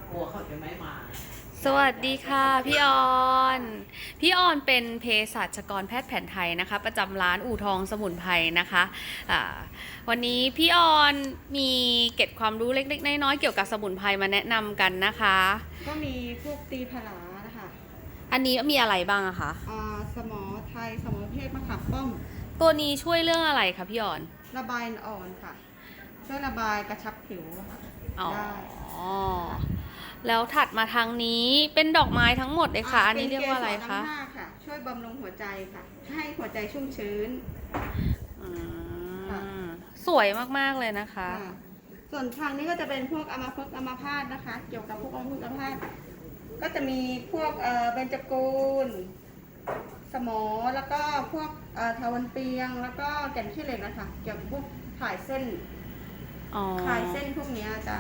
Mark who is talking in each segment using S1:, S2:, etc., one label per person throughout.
S1: กลัวเขาจะไม่มา
S2: สวัสดีค่ะพี่ออนพี่ออนเป็นเภสัชกรแพทย์แผนไทยนะคะประจำร้านอู่ทองสมุนไพรนะคะอ่าวันนี้พี่ออนมีเกร็ดความรู้เล็กๆน้อยๆเกี่ยวกับสมุนไพรมาแนะนำกันนะคะ
S3: ก็มีพวกตีผลานะคะ
S2: อันนี้มีอะไรบ้างอะคะ
S3: สมอไทยสมอเทศมะขามป้อม
S2: ตัวนี้ช่วยเรื่องอะไรคะพี่ออน
S3: ระบายอ่อนค่ะช่วยระบายกระชับผิวค่ะ
S2: อ๋อ
S3: ได้
S2: แล้วถัดมาทางนี้เป็นดอกไม้ทั้งหมดเลยค่ะอันนี้เรียกว่าอะไรคะ
S3: เป็นเกสรน้ำหน้าค่ะช่วยบำรุงหัวใจค่ะให้หัวใจชุ่มชื้น
S2: สวยมากๆเลยนะคะ
S3: ส่วนทางนี้ก็จะเป็นพวกอัมพฤกษ์อัมพาตนะคะเกี่ยวกับพวกอัมพฤกษ์อัมพาตก็จะมีพวกเบญจกูลสมอแล้วก็พวกทาวันเปียงแล้วก็แก่นขี้เหล็กนะคะเกี่ยวกับพวกถ่ายเส้นคลายเส้นพวกนี้จะ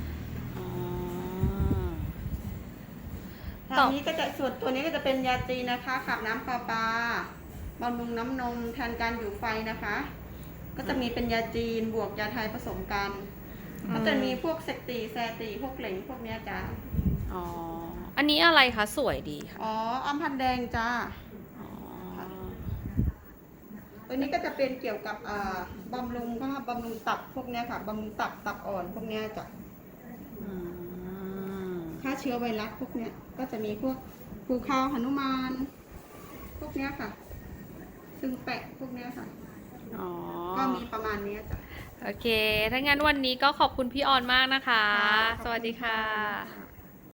S3: ทางนี้ก็จะส่วนตัวนี้ก็จะเป็นยาจีนะคะขับน้ำปลาบำรุงน้ำนมแทนการอยู่ไฟนะคะก็จะมีเป็นยาจีนบวกยาไทยผสมกันก็จะมีพวกเซกตีแซตีพวกเหลงพวกนี้จ้า
S2: อ๋ออันนี้อะไรคะสวยดีค่ะ
S3: อ๋ออัมพันแดงจ้าตัวนี้ก็จะเป็นเกี่ยวกับบำรุงก็บำรุงตับพวกนี้ค่ะบำรุงตับอ่อนพวกนี้จ้ะฆ่าเชื้อไวรัสพวกนี้ก็จะมีพวกภูเขาหนุมานพวกนี้ค่ะซึ่งแปะพวกนี้ค่ะก็มีประมาณนี้จ้ะ
S2: โอเคถ้างั้นวันนี้ก็ขอบคุณพี่ออนมากนะคะสวัสดีค่ะ